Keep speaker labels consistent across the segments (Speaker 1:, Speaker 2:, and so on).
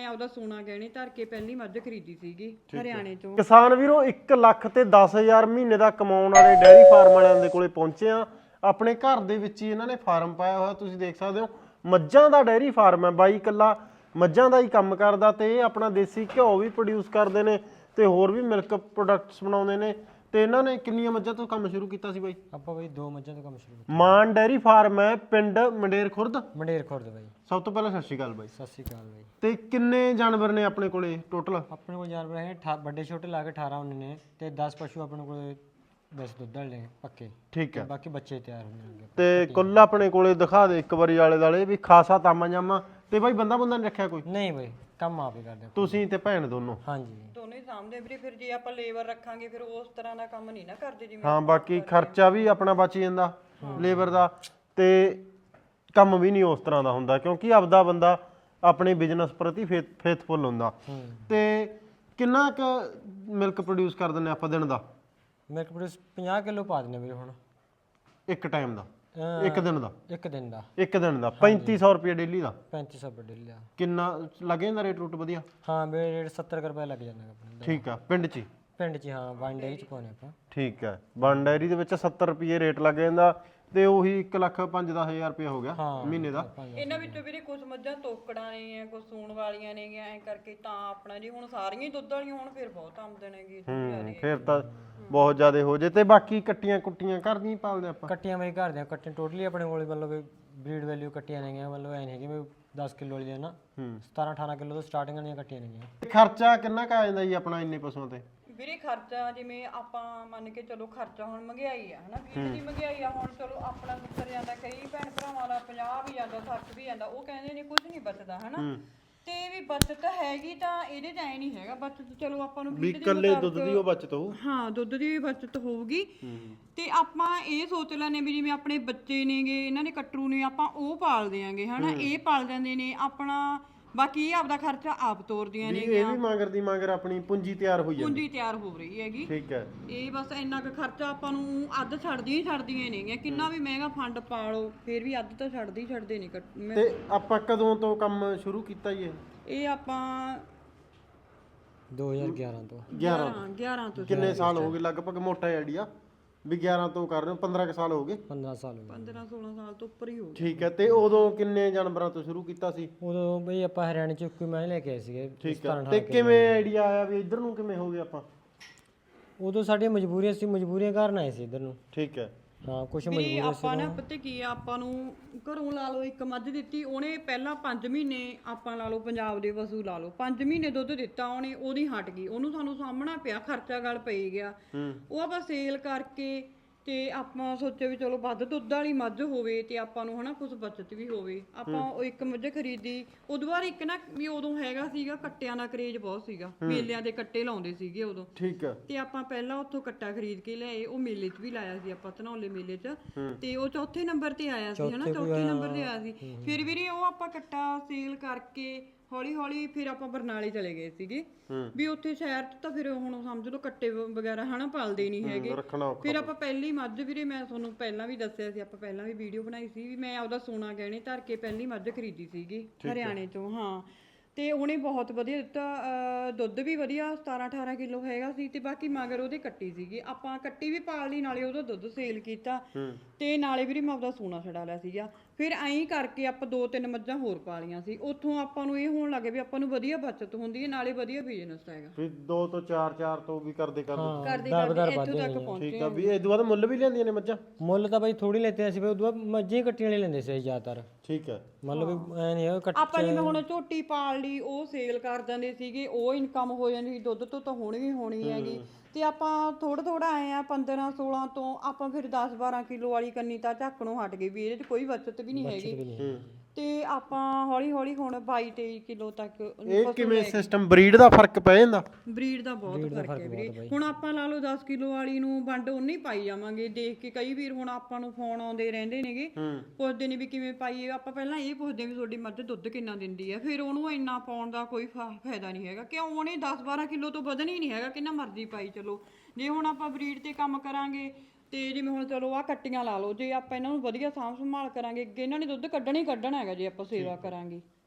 Speaker 1: ਆਪਦਾ ਸੋਨਾ ਗਹਿਣੇ ਧਰ ਕੇ ਪਹਿਲੀ ਮੱਝ ਖਰੀਦੀ ਸੀਗੀ ਹਰਿਆਣੇ ਤੋਂ।
Speaker 2: ਕਿਸਾਨ ਵੀਰੋ 1 ਲੱਖ ਤੇ 10,000 ਮਹੀਨੇ ਦਾ ਕਮਾਉਣ ਵਾਲੇ ਡੈਰੀ ਫਾਰਮ ਵਾਲਿਆਂ ਦੇ ਕੋਲੇ ਪਹੁੰਚੇ ਆ। ਆਪਣੇ ਘਰ ਦੇ ਵਿੱਚ ਹੀ ਇਹਨਾਂ ਨੇ ਫਾਰਮ ਪਾਇਆ ਹੋਇਆ, ਤੁਸੀਂ ਦੇਖ ਸਕਦੇ ਹੋ। ਮੱਝਾਂ ਦਾ ਡੈਰੀ ਫਾਰਮ ਹੈ, ਬਾਈ ਇਕੱਲਾ ਮੱਝਾਂ ਦਾ ਹੀ ਕੰਮ ਕਰਦਾ ਤੇ ਇਹ ਆਪਣਾ ਦੇਸੀ ਘਿਓ ਵੀ ਪ੍ਰੋਡਿਊਸ ਕਰਦੇ ਨੇ ਤੇ ਹੋਰ ਵੀ ਮਿਲਕ ਪ੍ਰੋਡਕਟਸ ਬਣਾਉਂਦੇ ਨੇ। ਤੇ ਇਹਨਾਂ ਨੇ ਕਿੰਨੀਆਂ ਮੱਝਾਂ ਤੋਂ ਕੰਮ ਸ਼ੁਰੂ ਕੀਤਾ ਸੀ ਬਾਈ?
Speaker 3: ਆਪਾਂ ਬਾਈ 2 ਮੱਝਾਂ ਤੋਂ ਕੰਮ ਸ਼ੁਰੂ ਕੀਤਾ।
Speaker 2: ਮਾਨ ਡੈਰੀ ਫਾਰਮ ਹੈ, ਪਿੰਡ ਮੰਡੇਰ ਖੁਰਦ।
Speaker 3: ਮੰਡੇਰ ਖੁਰਦ ਬਾਈ।
Speaker 2: ਸਭ ਤੋਂ ਪਹਿਲਾਂ ਸਤਿ ਸ਼੍ਰੀ ਅਕਾਲ ਬਾਈ।
Speaker 3: ਸਤਿ ਸ਼੍ਰੀ ਅਕਾਲ ਬਾਈ।
Speaker 2: ਤੇ ਕਿੰਨੇ ਜਾਨਵਰ ਨੇ ਆਪਣੇ ਕੋਲੇ ਟੋਟਲ?
Speaker 3: ਆਪਣੇ ਕੋਲ ਜਾਨਵਰ ਹੈ ਵੱਡੇ ਛੋਟੇ ਲਾ ਕੇ 18 ਹੁੰਦੇ ਨੇ ਤੇ 10 ਪਸ਼ੂ ਆਪਣੇ ਕੋਲ 10 ਦੁੱਧ ਵਾਲੇ ਨੇ ਪੱਕੇ।
Speaker 2: ਠੀਕ ਹੈ।
Speaker 3: ਬਾਕੀ ਬੱਚੇ ਤਿਆਰ ਹੁੰਦੇ ਨੇ।
Speaker 2: ਤੇ ਕੁੱਲ ਆਪਣੇ ਕੋਲੇ ਦਿਖਾ ਦੇ ਇੱਕ ਵਾਰੀ ਆਲੇ ਦਾਲੇ ਵੀ ਖਾਸਾ ਤਾਮਾ ਜਾਮਾ। ਤੇ ਬਾਈ ਬੰਦਾ ਨਹੀਂ ਰੱਖਿਆ ਕੋਈ?
Speaker 3: ਨਹੀਂ ਬਾਈ, ਕੰਮ ਆਪ ਹੀ ਕਰਦੇ
Speaker 2: ਤੁਸੀਂ ਤੇ ਭੈਣ ਦੋਨੋਂ?
Speaker 3: ਹਾਂਜੀ
Speaker 1: ਦੋਨੇ ਸਾਹਮਣੇ ਵੀਰੇ। ਫਿਰ ਜੇ ਆਪਾਂ ਲੇਬਰ ਰੱਖਾਂਗੇ ਫਿਰ ਉਸ ਤਰ੍ਹਾਂ ਦਾ ਕੰਮ ਨਹੀਂ ਨਾ ਕਰਦੇ ਜਿਵੇਂ।
Speaker 2: ਹਾਂ, ਬਾਕੀ ਖਰਚਾ ਵੀ ਆਪਣਾ ਬਚ ਜਾਂਦਾ ਲੇਬਰ ਦਾ ਤੇ ਕੰਮ ਵੀ ਨਹੀਂ ਉਸ ਤਰ੍ਹਾਂ ਦਾ ਹੁੰਦਾ ਕਿਉਂਕਿ ਆਪਦਾ ਬੰਦਾ ਆਪਣੇ ਬਿਜ਼ਨਸ ਪ੍ਰਤੀ ਫੇਥਫੁਲ ਹੁੰਦਾ। ਤੇ ਕਿੰਨਾ ਕੁ ਮਿਲਕ ਪ੍ਰੋਡਿਊਸ ਕਰ ਦਿੰਦੇ ਆਪਾਂ ਦਿਨ ਦਾ?
Speaker 3: ਮਿਲਕ ਪ੍ਰੋਡਿਊਸ 50 ਕਿਲੋ ਪਾ ਦਿੰਦੇ ਵੀਰੇ ਹੁਣ
Speaker 2: ਇੱਕ ਟਾਈਮ ਦਾ? ਇੱਕ ਦਿਨ ਦਾ?
Speaker 3: ਇੱਕ ਦਿਨ ਦਾ।
Speaker 2: ਇੱਕ ਦਿਨ ਦਾ 3500 ਰੁਪਏ ਡੇਲੀ ਦਾ?
Speaker 3: 3500 ਰੁਪਏ ਡੇਲੀ ਦਾ।
Speaker 2: ਕਿੰਨਾ ਲੱਗ ਜਾਂਦਾ ਰੇਟ ਰੂਟ ਵਧੀਆ?
Speaker 3: ਹਾਂ ਵੀਰੇ, ਰੇਟ 70 ਰੁਪਏ ਲੱਗ ਜਾਂਦਾ ਆਪਣੇ।
Speaker 2: ਠੀਕ ਆ, ਪਿੰਡ 'ਚ?
Speaker 3: ਪਿੰਡ 'ਚ ਹਾਂ, ਵਨ ਡੇਰੀ 'ਚ ਪਾਉਣੇ ਆਪਾਂ।
Speaker 2: ਠੀਕ ਹੈ, ਵਨ ਡਾਇਰੀ ਦੇ ਵਿੱਚ 70 ਰੁਪਏ ਰੇਟ ਲੱਗ ਜਾਂਦਾ ਤੇ ਉਹੀ 1,05,10,000 ਰੁਪਏ ਹੋ ਗਿਆ ਮਹੀਨੇ ਦਾ।
Speaker 1: ਇਹਨਾਂ ਵਿੱਚੋਂ ਵੀਰੇ ਕੁਝ ਮੱਝਾਂ ਤੋਕੜਾਂ ਨੇ, ਕੁਝ ਸੂਣ ਵਾਲੀਆਂ ਨੇ, ਐ ਕਰਕੇ ਤਾਂ ਆਪਣਾ ਜੀ ਹੁਣ ਸਾਰੀਆਂ ਹੀ ਦੁੱਧ ਵਾਲੀਆਂ ਹੋਣ ਫਿਰ ਬਹੁਤ ਆਮਦਨ ਹੈਗੀ।
Speaker 2: ਫਿਰ ਤਾਂ ਬਹੁਤ ਜ਼ਿਆਦਾ ਹੋ ਜੇ। ਤੇ ਬਾਕੀ ਕੱਟੀਆਂ ਕੁੱਟੀਆਂ ਘਰ ਦੀਆਂ ਪਾਲਦੇ ਆਪਾਂ?
Speaker 3: ਕੱਟੀਆਂ ਮੇਰੇ ਘਰ ਦੀਆਂ ਕੱਟੀਆਂ ਟੋਟਲੀ ਆਪਣੇ ਕੋਲ ਮਤਲਬ ਬਰੀਡ ਵੈਲਿਊ ਕੱਟੀਆਂ ਨੇਗੀਆਂ, ਮਤਲਬ ਐ ਨਹੀਂ ਹੈਗੀ ਮੈਂ 10 ਕਿਲੋ ਵਾਲੀ ਦੇ ਨਾ 17-18 ਕਿਲੋ ਤੋਂ ਸਟਾਰਟਿੰਗ ਦੀਆਂ ਕੱਟੀਆਂ ਨੇਗੀਆਂ।
Speaker 2: ਖਰਚਾ ਕਿੰਨਾ ਕੁ ਆ ਜਾਂਦਾ ਜੀ ਆਪਣਾ ਇੰਨੇ ਪਸ਼ੂਆਂ ਤੇ?
Speaker 1: ਵੀਰੇ ਖਰਚਾ ਜਿਵੇਂ ਆਪਾਂ ਮੰਨ ਕੇ ਚਲੋ ਖਰਚਾ ਹੁਣ ਮਹਿੰਗਾਈ ਆ ਹਨਾ, ਵੀਰ ਦੀ ਮਹਿੰਗਾਈ ਆ। ਹੁਣ ਚਲੋ ਆਪਣਾ ਮੁੱਕਰ ਜਾਂਦਾ, ਕਈ ਭੈਣ ਭਰਾਵਾਂ ਦਾ 50 ਵੀ ਜਾਂਦਾ, 60 ਵੀ ਜਾਂਦਾ। ਉਹ ਕਹਿੰਦੇ ਨੇ ਕੁਝ ਨਹੀਂ ਬਚਦਾ ਹਨਾ। ਤੇ ਵੀ ਬਚਤ ਹੈਗੀ ਤਾਂ ਇਹਦੇ ਚ ਐ ਨਹੀਂ ਹੈਗਾ ਬਚਤ। ਚਲੋ ਆਪਾਂ ਨੂੰ
Speaker 2: ਵੀ ਇਕੱਲੇ ਦੁੱਧ ਦੀ ਉਹ ਬਚਤ ਹੋਊ?
Speaker 1: ਹਾਂ, ਦੁੱਧ ਦੀ ਵੀ ਬਚਤ ਹੋਊਗੀ। ਤੇ ਆਪਾਂ ਇਹ ਸੋਚ ਲੈਨੇ ਵੀ ਜਿਵੇਂ ਆਪਣੇ ਬੱਚੇ ਨੇਗੇ, ਇਹਨਾਂ ਦੇ ਕੱਟਰੂ ਨੇ, ਆਪਾਂ ਉਹ ਪਾਲ ਦਿਆਂਗੇ ਹਨਾ। ਇਹ ਪਾਲ ਜਾਂਦੇ ਨੇ ਆਪਣਾ, ਬਾਕੀ ਇਹ ਆਪਦਾ ਖਰਚਾ ਆਪ ਤੋਰਦੀਆਂ ਨੇ।
Speaker 2: ਇਹ ਵੀ ਮਗਰ ਆਪਣੀ ਪੂੰਜੀ ਤਿਆਰ ਹੋਈ ਜਾਂਦੀ?
Speaker 1: ਪੂੰਜੀ ਤਿਆਰ ਹੋ ਰਹੀ ਹੈਗੀ।
Speaker 2: ਠੀਕ ਹੈ।
Speaker 1: ਇਹ ਬਸ ਇੰਨਾ ਕੁ ਖਰਚਾ ਆਪਾਂ ਨੂੰ ਅੱਧ ਛੱਡਦੀਆਂ ਨੇਗੀਆਂ। ਕਿੰਨਾ ਵੀ ਮਹਿੰਗਾ ਫੰਡ ਪਾ ਲਓ ਫਿਰ ਵੀ ਅੱਧ ਤਾਂ ਛੱਡਦੇ ਨਹੀਂ।
Speaker 2: ਤੇ ਆਪਾਂ ਕਦੋਂ ਤੋਂ ਕੰਮ ਸ਼ੁਰੂ ਕੀਤਾ ਜੀ
Speaker 1: ਇਹ ਆਪਾਂ
Speaker 3: 2011 ਤੋਂ।
Speaker 1: 11 ਤੋਂ।
Speaker 2: ਕਿੰਨੇ ਸਾਲ ਹੋ ਗਏ ਲਗਭਗ? ਮੋਟਾ ਆਈਡੀਆ ਵੀ 11 ਤੋਂ ਕਰ ਰਹੇ ਹੋ? 15 ਸਾਲ ਹੋ ਗਏ?
Speaker 3: 15 ਸਾਲ ਹੋ ਗਏ।
Speaker 1: 15-16 ਸਾਲ ਤੋਂ ਉੱਪਰ ਹੀ ਹੋ ਗਏ।
Speaker 2: ਠੀਕ ਹੈ। ਤੇ ਉਦੋਂ ਕਿੰਨੇ ਜਾਨਵਰਾਂ ਤੋਂ ਸ਼ੁਰੂ ਕੀਤਾ ਸੀ?
Speaker 3: ਉਦੋਂ ਬਈ ਆਪਾਂ ਹਰਿਆਣੇ ਚ ਕੋਈ ਮੈਂ ਲੈ ਕੇ ਆਏ ਸੀਗੇ।
Speaker 2: ਠੀਕ ਹੈ। ਤੇ ਕਿਵੇਂ ਆਈਡੀਆ ਆਇਆ ਵੀ ਇੱਧਰ ਨੂੰ ਕਿਵੇਂ ਹੋ ਗਏ ਆਪਾਂ?
Speaker 3: ਉਦੋਂ ਸਾਡੀਆਂ ਮਜਬੂਰੀਆਂ ਸੀ, ਮਜਬੂਰੀਆਂ ਕਾਰਨ ਆਏ ਸੀ ਇੱਧਰ ਨੂੰ।
Speaker 2: ਠੀਕ ਹੈ।
Speaker 3: ਹਾਂ, ਕੁਝ
Speaker 1: ਵੀ
Speaker 3: ਮਜਬੂਰੀਆਂ
Speaker 1: ਆਪਾਂ ਨਾ ਪਤਾ ਕੀ ਆ, ਆਪਾਂ ਨੂੰ ਘਰੋਂ ਲਾ ਲਓ ਇੱਕ ਮੱਝ ਦਿੱਤੀ ਉਹਨੇ, ਪਹਿਲਾਂ 5 ਮਹੀਨੇ ਆਪਾਂ ਲਾ ਲਓ ਪੰਜਾਬ ਦੇ ਪਸ਼ੂ ਲਾ ਲਓ 5 ਮਹੀਨੇ ਦੁੱਧ ਦਿੱਤਾ ਉਹਨੇ, ਉਹਦੀ ਹਟ ਗਈ, ਉਹਨੂੰ ਸਾਨੂੰ ਸਾਹਮਣਾ ਪਿਆ, ਖਰਚਾ ਗਲ ਪਈ ਗਿਆ। ਉਹ ਆਪਾਂ ਸੇਲ ਕਰਕੇ ਤੇ ਆਪਾਂ ਸੋਚਿਆ ਵੀ ਚਲੋ ਵੱਧ ਦੁੱਧ ਵਾਲੀ ਮੱਝ ਹੋਵੇ ਤੇ ਆਪਾਂ ਨੂੰ ਹਨਾ ਕੁਝ ਬਚਤ ਵੀ ਹੋਵੇ। ਆਪਾਂ ਉਹ ਇੱਕ ਮੱਝ ਖਰੀਦੀ। ਉਦੋਂ ਬਾਅਦ ਇੱਕ ਨਾ ਵੀ ਉਦੋਂ ਹੈਗਾ ਸੀਗਾ ਕੱਟਿਆਂ ਦਾ ਕਰੇਜ ਬਹੁਤ ਸੀਗਾ, ਮੇਲਿਆਂ ਦੇ ਕੱਟੇ ਲਾਉਂਦੇ ਸੀਗੇ ਉਦੋਂ।
Speaker 2: ਠੀਕ ਹੈ।
Speaker 1: ਤੇ ਆਪਾਂ ਪਹਿਲਾਂ ਉੱਥੋਂ ਕੱਟਾ ਖਰੀਦ ਕੇ ਲਿਆਏ, ਉਹ ਮੇਲੇ 'ਚ ਵੀ ਲਾਇਆ ਸੀ ਆਪਾਂ, ਧਨੌਲੇ ਮੇਲੇ 'ਚ। ਤੇ ਉਹ ਚੌਥੇ ਨੰਬਰ ਤੇ ਆਇਆ ਸੀ ਹਨਾ, ਚੌਥੇ ਨੰਬਰ ਤੇ ਆਇਆ ਸੀ। ਫਿਰ ਵੀਰੇ ਉਹ ਆਪਾਂ ਕੱਟਾ ਸੇਲ ਕਰਕੇ ਹੌਲੀ ਹੌਲੀ ਫਿਰ ਆਪਾਂ ਬਰਨਾਲੇ ਚਲੇ ਗਏ ਸੀਗੇ ਵੀ ਉੱਥੇ ਸ਼ਹਿਰ 'ਚ ਤਾਂ ਫਿਰ ਹੁਣ ਸਮਝ ਲਓ ਕੱਟੇ ਵਗੈਰਾ ਹਨਾ ਪਾਲਦੇ ਨਹੀਂ ਹੈਗੇ। ਫਿਰ ਆਪਾਂ ਪਹਿਲੀ ਮੱਝ ਵੀਰੇ, ਮੈਂ ਤੁਹਾਨੂੰ ਪਹਿਲਾਂ ਵੀ ਦੱਸਿਆ ਸੀ, ਆਪਾਂ ਪਹਿਲਾਂ ਵੀ ਵੀਡੀਓ ਬਣਾਈ ਸੀ ਵੀ ਮੈਂ ਆਪਦਾ ਸੋਨਾ ਗਹਿਣੇ ਧਰ ਕੇ ਪਹਿਲੀ ਮੱਝ ਖਰੀਦੀ ਸੀਗੀ ਹਰਿਆਣੇ ਤੋਂ। ਹਾਂ, ਤੇ ਉਹਨੇ ਬਹੁਤ ਵਧੀਆ ਦਿੱਤਾ ਦੁੱਧ ਵੀ ਵਧੀਆ 17-18 ਕਿਲੋ ਹੈਗਾ ਸੀ। ਤੇ ਬਾਕੀ ਮਗਰ ਉਹਦੇ ਕੱਟੀ ਸੀਗੀ, ਆਪਾਂ ਕੱਟੀ ਵੀ ਪਾਲ ਲਈ, ਨਾਲੇ ਉਹਦਾ ਦੁੱਧ ਸੇਲ ਕੀਤਾ ਤੇ ਨਾਲੇ ਵੀਰੇ ਮੈਂ ਆਪਦਾ ਸੋਨਾ ਛਡਾ ਲਿਆ ਸੀਗਾ। ਫਿਰ ਐਂ ਕਰਕੇ ਆਪਾਂ 2-3 ਮੱਝਾਂ ਹੋਰ ਪਾਲੀਆਂ ਸੀ। ਉੱਥੋਂ ਆਪਾਂ ਨੂੰ ਇਹ ਹੋਣ ਲੱਗੇ ਵੀ ਆਪਾਂ ਨੂੰ ਵਧੀਆ ਬਚਤ ਹੁੰਦੀ ਹੈ, ਨਾਲੇ ਵਧੀਆ ਬਿਜ਼ਨਸ ਹੈਗਾ।
Speaker 2: ਫਿਰ 2 ਤੋਂ 4 ਤੋਂ ਵੀ ਕਰਦੇ
Speaker 1: ਇੱਥੋਂ ਤੱਕ ਪਹੁੰਚੇ।
Speaker 2: ਠੀਕ ਆ। ਵੀ ਇਹ ਤੋਂ ਬਾਅਦ ਮੁੱਲ ਵੀ ਲੈਂਦੀਆਂ ਨੇ ਮੱਝਾਂ?
Speaker 3: ਮੁੱਲ ਤਾਂ ਬਾਈ ਥੋੜੀ ਲੈਤੇ ਸੀ, ਫਿਰ ਉਦੋਂ ਬਾਅਦ ਮੱਝਾਂ ਹੀ ਕੱਟੀਆਂ ਵਾਲੀ ਲੈਂਦੇ ਸੀ ਜ਼ਿਆਦਾਤਰ।
Speaker 2: ਠੀਕ ਹੈ।
Speaker 3: ਮਤਲਬ ਐ ਨਹੀਂ
Speaker 1: ਆਪਾਂ ਜਿਵੇਂ ਹੁਣ ਝੋਟੀ ਪਾਲ ਲਈ, ਉਹ ਸੇਲ ਕਰ ਦਿੰਦੇ ਸੀਗੇ, ਉਹ ਇਨਕਮ ਹੋ ਜਾਂਦੀ ਸੀ। ਦੁੱਧ ਤੋਂ ਤਾਂ ਹੋਣੀ ਹੈਗੀ। ਤੇ ਆਪਾਂ ਥੋੜਾ ਆਏ ਆ 15-16 ਤੋਂ ਆਪਾਂ ਫਿਰ 10-12 ਕਿਲੋ ਵਾਲੀ ਕੰਨੀ ਤਾਂ ਝੱਕਣੋਂ ਹਟ ਗਈ ਵੀ ਇਹਦੇ 'ਚ ਕੋਈ ਬਚਤ ਵੀ ਨਹੀਂ ਹੈਗੀ। ਤੇ ਆਪਾਂ ਹੌਲੀ ਹੌਲੀ ਹੁਣ 22-23 ਕਿਲੋ ਤੱਕ।
Speaker 2: ਇਹ ਕਿਵੇਂ ਸਿਸਟਮ ਬਰੀਡ ਦਾ ਫਰਕ ਪੈ ਜਾਂਦਾ?
Speaker 1: ਬਰੀਡ ਦਾ ਬਹੁਤ ਫਰਕ ਹੈ ਵੀਰੇ। ਹੁਣ ਆਪਾਂ ਲਾ ਲਓ 10 ਕਿਲੋ ਵਾਲੀ ਨੂੰ ਵੰਡ ਉਨੀ ਪਾਈ ਜਾਵਾਂਗੇ ਦੇਖ ਕੇ। ਕਈ ਵੀਰ ਹੁਣ ਆਪਾਂ ਨੂੰ ਫੋਨ ਆਉਂਦੇ ਰਹਿੰਦੇ ਨੇਗੇ, ਪੁੱਛਦੇ ਨੇ ਵੀ ਕਿਵੇਂ ਪਾਈਏ। ਆਪਾਂ ਪਹਿਲਾਂ ਇਹ ਪੁੱਛਦੇ ਵੀ ਤੁਹਾਡੀ ਮੱਝ ਦੁੱਧ ਕਿੰਨਾ ਦਿੰਦੀ ਹੈ, ਫਿਰ ਉਹਨੂੰ ਇੰਨਾ ਪਾਉਣ ਦਾ ਕੋਈ ਫਾਇਦਾ ਨਹੀਂ ਹੈਗਾ। ਕਿਉਂ? ਉਹਨੇ 10-12 ਕਿਲੋ ਤੋਂ ਵਧਣ ਹੀ ਨਹੀਂ ਹੈਗਾ, ਕਿੰਨਾ ਮਰਜ਼ੀ ਪਾਈ ਚਲੋ। ਜੇ ਹੁਣ ਆਪਾਂ ਬਰੀਡ ਤੇ ਕੰਮ ਕਰਾਂਗੇ ਤੇ ਜਿਵੇਂ ਹੁਣ ਚਲੋ ਆਹ ਕੱਟੀਆਂ ਲਾ ਲਓ, ਜੇ ਆਪਾਂ ਇਹਨਾਂ ਨੂੰ ਵਧੀਆ ਸਾਂਭ ਸੰਭਾਲ ਕਰਾਂਗੇ ਅੱਗੇ ਇਹਨਾਂ ਨੇ ਦੁੱਧ ਕੱਢਣਾ ਹੀ ਕੱਢਣਾ ਹੈਗਾ ਜੇ ਆਪਾਂ ਸੇਵਾ ਕਰਾਂਗੇ।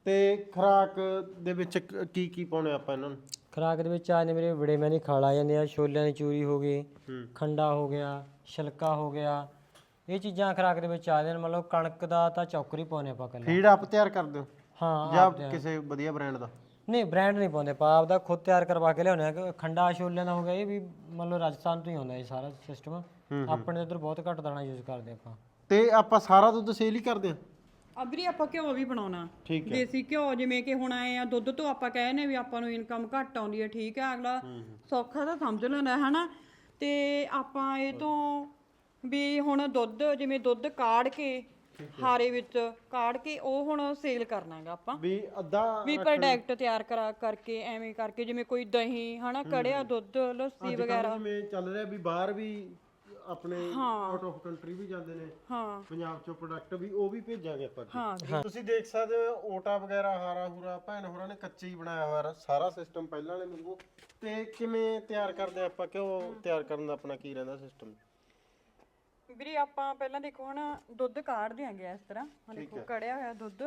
Speaker 2: ਤੇ ਖੁਰਾਕ ਦੇ ਵਿੱਚ ਕੀ ਕੀ ਪਾਉਣੇ ਆਪਾਂ ਇਹਨਾਂ ਨੂੰ?
Speaker 3: ਖੁਰਾਕ ਦੇ ਵਿੱਚ ਆ ਨੇ ਮੇਰੇ ਬੜੇ ਮੈਨੇ ਖਾ ਲਾ ਜਾਂਦੇ ਆ, ਛੋਲਿਆਂ ਦੀ ਚੂਰੀ ਹੋ ਗਈ, ਖੰਡਾ ਹੋ ਗਿਆ, ਛਿਲਕਾ ਹੋ ਗਿਆ, ਇਹ ਚੀਜ਼ਾਂ ਖੁਰਾਕ ਦੇ ਵਿੱਚ ਆ ਜਾਂਦੇ ਨੇ। ਮਤਲਬ ਕਣਕ ਦਾ ਤਾਂ ਚੌਕਰ ਹੀ ਪਾਉਂਦੇ ਆਪਾਂ ਕੱਲਾ।
Speaker 2: ਫੀਡ ਆਪ ਤਿਆਰ ਕਰਦੇ ਹੋ
Speaker 3: ਹਾਂ
Speaker 2: ਜਾਂ ਕਿਸੇ ਵਧੀਆ ਬ੍ਰਾਂਡ ਦਾ?
Speaker 3: ਨਹੀਂ ਬ੍ਰਾਂਡ ਨਹੀਂ ਪਾਉਂਦੇ ਆਪਾਂ, ਆਪਦਾ ਖੁਦ ਤਿਆਰ ਕਰਵਾ ਕੇ ਲਿਆਉਂਦੇ ਆ। ਖੰਡਾ ਛੋਲਿਆਂ ਦਾ ਹੋ ਗਿਆ, ਇਹ ਵੀ ਮਤਲਬ ਰਾਜਸਥਾਨ ਤੋਂ ਹੀ ਆਉਂਦਾ ਇਹ ਸਾਰਾ ਸਿਸਟਮ। ਆਪਣੇ ਇੱਧਰ ਬਹੁਤ ਘੱਟ ਦਾਣਾ ਯੂਜ਼ ਕਰਦੇ ਆਪਾਂ।
Speaker 2: ਤੇ ਆਪਾਂ ਸਾਰਾ ਦੁੱਧ ਸੇਲ ਹੀ ਕਰਦੇ ਆ?
Speaker 1: ਅਬਰੀ ਆਪਾਂ ਘਿਓ ਵੀ ਬਣਾਉਣਾ,
Speaker 2: ਠੀਕ ਹੈ।
Speaker 1: ਦੇਸੀ ਘਿਓ, ਜਿਵੇਂ ਕਿ ਹੁਣ ਆਏ ਆ ਦੁੱਧ ਤੋਂ ਆਪਾਂ ਕਹਿੰਦੇ ਵੀ ਆਪਾਂ ਨੂੰ ਇਨਕਮ ਘੱਟ ਆਉਂਦੀ ਹੈ, ਠੀਕ ਹੈ, ਅਗਲਾ ਸੌਖਾ ਤਾਂ ਸਮਝ ਲੈਂਦਾ ਹਨਾ। ਤੇ ਆਪਾਂ ਇਹ ਤੋਂ ਵੀ ਹੁਣ ਦੁੱਧ, ਜਿਵੇਂ ਦੁੱਧ ਕਾੜ ਕੇ ਹਾਰੇ ਵਿੱਚ ਕਾੜ ਕੇ ਉਹ ਹੁਣ ਸੇਲ ਕਰਨਾਗਾ ਆਪਾਂ,
Speaker 2: ਵੀ ਅੱਧਾ
Speaker 1: ਵੀ ਪ੍ਰੋਡਕਟ ਤਿਆਰ ਕਰਕੇ ਐਵੇਂ ਕਰਕੇ, ਜਿਵੇਂ ਕੋਈ ਦਹੀਂ ਹਨਾ, ਕੜਿਆ ਦੁੱਧ, ਲੱਸੀ ਵਗੈਰਾ।
Speaker 2: ਜਿਵੇਂ ਚੱਲ ਰਿਹਾ ਵੀ ਬਾਹਰ ਵੀ ਆਪਣੇ ਆਊਟ ਆਫ ਕੰਟਰੀ ਵੀ ਜਾਂਦੇ ਨੇ,
Speaker 1: ਹਾਂ
Speaker 2: ਪੰਜਾਬ ਚੋਂ ਪ੍ਰੋਡਕਟ ਵੀ ਉਹ ਵੀ ਭੇਜਾਂਗੇ ਆਪਾਂ।
Speaker 1: ਹਾਂ
Speaker 2: ਤੁਸੀਂ ਦੇਖ ਸਕਦੇ ਹੋ ਓਟਾ ਵਗੈਰਾ, ਹਾਰਾ ਹੂਰਾ ਭੈਣ ਹੋਰਾਂ ਨੇ ਕੱਚੇ ਹੀ ਬਣਾਇਆ ਹੋਇਆ ਸਾਰਾ ਸਿਸਟਮ ਪਹਿਲਾਂ ਵਾਲੇ ਵਾਂਗੂ। ਤੇ ਕਿਵੇਂ ਤਿਆਰ ਕਰਦੇ ਆਪਾਂ, ਕਿਉਂ ਤਿਆਰ ਕਰਨ ਦਾ ਆਪਣਾ ਕੀ ਰਹਿੰਦਾ ਸਿਸਟਮ?
Speaker 1: ਵੀਰੇ ਆਪਾਂ ਪਹਿਲਾਂ ਦੇਖੋ ਹੁਣ ਦੁੱਧ ਕਾੜ ਦਿਆਂਗੇ ਇਸ ਤਰ੍ਹਾਂ, ਹੁਣ ਦੇਖੋ ਕੜਿਆ ਹੋਇਆ ਦੁੱਧ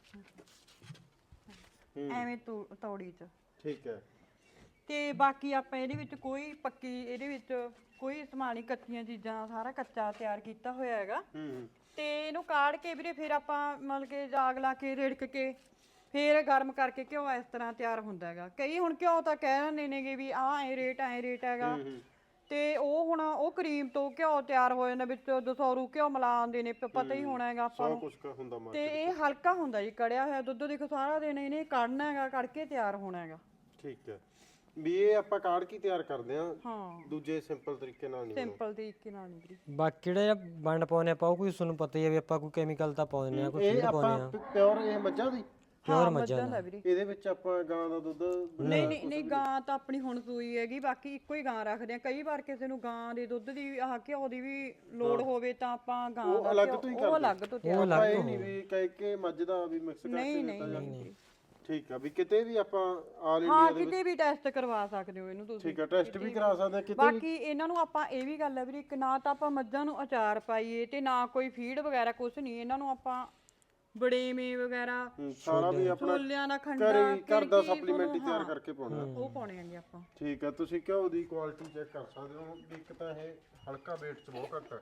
Speaker 1: ਐਵੇਂ ਤੌੜੀ 'ਚ,
Speaker 2: ਠੀਕ ਹੈ।
Speaker 1: ਤੇ ਬਾਕੀ ਆਪਾਂ ਇਹਦੇ ਵਿੱਚ ਕੋਈ ਪੱਕੀ, ਇਹਦੇ ਵਿੱਚ ਕੋਈ ਸਮਾਨ ਨਹੀਂ, ਕੱਚੀਆਂ ਚੀਜ਼ਾਂ, ਸਾਰਾ ਕੱਚਾ ਤਿਆਰ ਕੀਤਾ ਹੋਇਆ ਹੈਗਾ। ਤੇ ਇਹਨੂੰ ਕਾੜ ਕੇ ਵੀਰੇ ਫਿਰ ਆਪਾਂ ਮਤਲਬ ਕਿ ਜਾਗ ਲਾ ਕੇ ਰਿੜਕ ਕੇ ਫਿਰ ਗਰਮ ਕਰਕੇ ਘਿਓ ਇਸ ਤਰ੍ਹਾਂ ਤਿਆਰ ਹੁੰਦਾ ਹੈਗਾ। ਕਈ ਹੁਣ ਘਿਓ ਤਾਂ ਕਹਿ ਦਿੰਦੇ ਨੇਗੇ ਵੀ ਐ ਰੇਟ ਹੈਗਾ, ਤੇ ਉਹ ਹੁਣ ਉਹ ਕਰੀਮ ਤੋਂ ਘਿਓ ਤਿਆਰ ਹੋ ਜਾਂਦਾ, ਵਿੱਚ ਦਸੌਰੂ ਘਿਓ ਮਿਲਾਉਂਦੇ ਨੇ, ਪਤਾ ਹੀ ਹੋਣਾ ਹੈਗਾ ਆਪਾਂ ਨੂੰ। ਤੇ ਇਹ ਹਲਕਾ ਹੁੰਦਾ ਜੀ ਕੜਿਆ ਹੋਇਆ ਦੁੱਧ, ਦੇਖੋ ਸਾਰਾ ਦਿਨ ਇਹਨੇ ਕੱਢਣਾ ਹੈਗਾ, ਕੱਢ ਕੇ ਤਿਆਰ ਹੋਣਾ ਹੈਗਾ।
Speaker 2: ਠੀਕ ਹੈ, ਵੀ ਇਹ ਆਪਾਂ ਕਾੜ ਕੇ ਤਿਆਰ ਕਰਦੇ ਆ,
Speaker 1: ਹਾਂ
Speaker 2: ਦੂਜੇ ਸਿੰਪਲ ਤਰੀਕੇ ਨਾਲ ਨਹੀਂ।
Speaker 1: ਸਿੰਪਲ ਤਰੀਕੇ ਨਾਲ ਨਹੀਂ ਵੀਰੇ।
Speaker 3: ਬਾਕੀ ਜਿਹੜਾ ਵੰਡ ਪਾਉਂਦੇ ਆਪਾਂ ਉਹ ਕੋਈ ਤੁਹਾਨੂੰ ਪਤਾ ਹੀ ਆ ਵੀ ਆਪਾਂ ਕੋਈ ਕੈਮੀਕਲ ਤਾਂ ਪਾਉਂਦੇ ਆ, ਕੋਈ
Speaker 2: ਇਹ
Speaker 3: ਫੀਡ ਪਾਉਂਦੇ
Speaker 2: ਆਪਾਂ
Speaker 3: ਆ।
Speaker 2: ਪਿਓਰ ਇਹ ਮੱਝਾਂ ਦੀ?
Speaker 3: ਪਿਓਰ ਮੱਝਾਂ ਦਾ
Speaker 1: ਵੀਰੇ।
Speaker 2: ਇਹਦੇ ਵਿੱਚ ਆਪਾਂ ਗਾਂ ਦਾ ਦੁੱਧ?
Speaker 1: ਨਹੀਂ ਗਾਂ ਤਾਂ ਆਪਣੀ ਹੁਣ ਸੂਈ ਹੈਗੀ, ਬਾਕੀ ਇੱਕੋ ਹੀ ਗਾਂ ਰੱਖਦੇ ਆ। ਕਈ ਵਾਰ ਕਿਸੇ ਨੂੰ ਗਾਂ ਦੇ ਦੁੱਧ ਦੀ ਘਿਓ ਦੀ ਵੀ ਲੋੜ ਹੋਵੇ ਤਾਂ ਆਪਾਂ ਗਾਂ ਦਾ
Speaker 2: ਅਲੱਗ ਤੋਂ ਹੀ
Speaker 1: ਉਹ ਅਲੱਗ ਤੋਂ ਤਿਆਰ।
Speaker 2: ਆਪਾਂ ਇਹ ਨਹੀਂ ਵੀ ਕਹਿ ਕੇ ਮੱਝ ਦਾ ਵੀ ਮਿਕਸ ਕਰਕੇ ਦਿੱਤਾ ਜਾਂਦਾ?
Speaker 1: ਨਹੀਂ
Speaker 2: ਠੀਕ ਆ, ਵੀ ਕਿਤੇ ਵੀ ਆਪਾਂ ਆਲ
Speaker 1: ਹਾਂ
Speaker 2: ਇੰਡੀਆ
Speaker 1: ਕਿਤੇ ਵੀ ਟੈਸਟ ਕਰਵਾ ਸਕਦੇ ਹੋ ਇਹਨੂੰ ਤੁਸੀਂ।
Speaker 2: ਠੀਕ ਆ, ਟੈਸਟ ਵੀ ਕਰਾ ਸਕਦੇ ਆ ਕਿਤੇ।
Speaker 1: ਬਾਕੀ ਇਹਨਾਂ ਨੂੰ ਆਪਾਂ ਇਹ ਵੀ ਗੱਲ ਹੈ ਵੀਰੇ, ਇੱਕ ਨਾ ਤਾਂ ਆਪਾਂ ਮੱਝਾਂ ਨੂੰ ਅਚਾਰ ਪਾਈਏ ਤੇ ਨਾ ਕੋਈ ਫੀਡ ਵਗੈਰਾ ਕੁਝ ਨਹੀਂ। ਇਹਨਾਂ ਨੂੰ ਆਪਾਂ ਬੜੇਵੇਂ ਵਗੈਰਾ
Speaker 2: ਸਾਰਾ ਵੀ ਆਪਣਾ
Speaker 1: ਛੋਲਿਆਂ ਦਾ ਖੰਡਾ
Speaker 2: ਘਰ ਦਾ ਸਪਲੀਮੈਂਟ ਹੀ ਤਿਆਰ ਕਰਕੇ ਪਾਉਣਾ।
Speaker 1: ਉਹ ਪਾਉਣੇ ਆਂਗੇ ਆਪਾਂ।
Speaker 2: ਠੀਕ ਆ, ਤੁਸੀਂ ਘਿਓ ਦੀ ਕੁਆਲਿਟੀ ਚੈੱਕ ਕਰ ਸਕਦੇ ਹੋ। ਇੱਕ ਤਾਂ ਇਹ ਹਲਕਾ weight ਚ ਬਹੁਤ ਘੱਟ ਹੈ,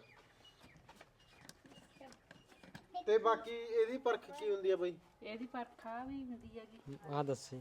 Speaker 2: ਤੇ ਬਾਕੀ ਇਹਦੀ ਪਰਖ ਕੀ ਹੁੰਦੀ ਆ ਬਈ?
Speaker 4: ਇਹਦੀ ਪਰਖਾ ਵੀ ਹੁੰਦੀ ਹੈਗੀ।
Speaker 3: ਆਹ ਦੱਸੀ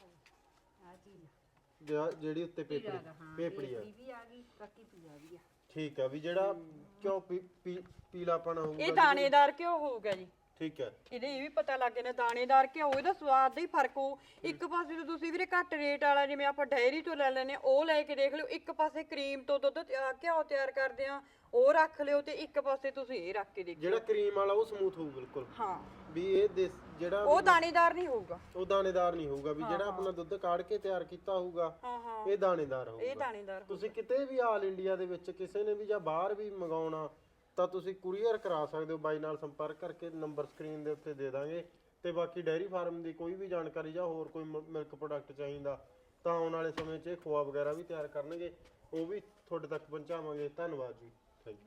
Speaker 2: ਜਿਹੜੀ ਉੱਤੇ ਪੇਪੜੀ ਆ
Speaker 4: ਵੀ ਆ ਗਈ, ਕੱਕੀ ਪੀਆ ਵੀ ਆ।
Speaker 2: ਠੀਕ ਆ, ਵੀ ਜਿਹੜਾ ਘਿਓ ਪੀਲਾਪਣ ਹੋਊਗਾ
Speaker 1: ਇਹ ਦਾਣੇਦਾਰ ਘਿਓ ਹੋਊਗਾ ਜੀ।
Speaker 2: ਠੀਕ ਹੈ।
Speaker 1: ਇਹਦੇ ਇਹ ਵੀ ਪਤਾ ਲੱਗ ਜਾਂਦਾ ਦਾਣੇਦਾਰ ਘਿਓ, ਇਹਦਾ ਸਵਾਦ ਦਾ ਹੀ ਫਰਕ ਹੋਊ। ਇੱਕ ਪਾਸੇ ਤੋਂ ਤੁਸੀਂ ਵੀਰੇ ਘੱਟ ਰੇਟ ਵਾਲਾ ਜਿਵੇਂ ਆਪਾਂ ਡਾਇਰੀ ਤੋਂ ਲੈ ਲੈਨੇ ਉਹ ਲੈ ਕੇ ਦੇਖ ਲਿਓ, ਇੱਕ ਪਾਸੇ ਕਰੀਮ ਤੋਂ ਦੁੱਧ ਘਿਓ ਤਿਆਰ ਕਰਦੇ ਆ ਉਹ ਰੱਖ ਲਿਓ, ਤੇ ਇੱਕ ਪਾਸੇ ਤੁਸੀਂ ਇਹ ਰੱਖ ਕੇ ਦੇਖੋ।
Speaker 2: ਜਿਹੜਾ ਕਰੀਮ ਵਾਲਾ ਉਹ ਸਮੂਥ ਹੋਊ ਬਿਲਕੁਲ।
Speaker 1: ਹਾਂ,
Speaker 2: ਵੀ ਇਹ ਜਿਹੜਾ
Speaker 1: ਉਹ ਦਾਣੇਦਾਰ ਨਹੀਂ ਹੋਊਗਾ।
Speaker 2: ਉਹ ਦਾਣੇਦਾਰ ਨਹੀਂ ਹੋਊਗਾ, ਵੀ ਜਿਹੜਾ ਆਪਣਾ ਦੁੱਧ ਕਾੜ ਕੇ ਤਿਆਰ ਕੀਤਾ ਹੋਊਗਾ ਇਹ ਦਾਣੇਦਾਰ ਹੋਊਗਾ।
Speaker 1: ਇਹ ਦਾਣੇਦਾਰ।
Speaker 2: ਤੁਸੀਂ ਕਿਤੇ ਵੀ ਆਲ ਇੰਡੀਆ ਦੇ ਵਿੱਚ ਕਿਸੇ ਨੇ ਵੀ ਜਾਂ ਬਾਹਰ ਵੀ ਮੰਗਾਉਣਾ ਤਾਂ ਤੁਸੀਂ ਕੁਰੀਅਰ ਕਰਾ ਸਕਦੇ ਹੋ। ਬਾਈ ਨਾਲ ਸੰਪਰਕ ਕਰਕੇ ਨੰਬਰ ਸਕਰੀਨ ਦੇ ਉੱਤੇ ਦੇ ਦਾਂਗੇ। ਤੇ ਬਾਕੀ ਡੈਰੀ ਫਾਰਮ ਦੀ ਕੋਈ ਵੀ ਜਾਣਕਾਰੀ ਜਾਂ ਹੋਰ ਕੋਈ ਮਿਲਕ ਪ੍ਰੋਡਕਟ ਚਾਹੀਦਾ ਤਾਂ ਆਉਣ ਵਾਲੇ ਸਮੇਂ 'ਚ ਖੋਆ ਵਗੈਰਾ ਵੀ ਤਿਆਰ ਕਰਨਗੇ, ਉਹ ਵੀ ਤੁਹਾਡੇ ਤੱਕ ਪਹੁੰਚਾਵਾਂਗੇ। ਧੰਨਵਾਦ ਜੀ।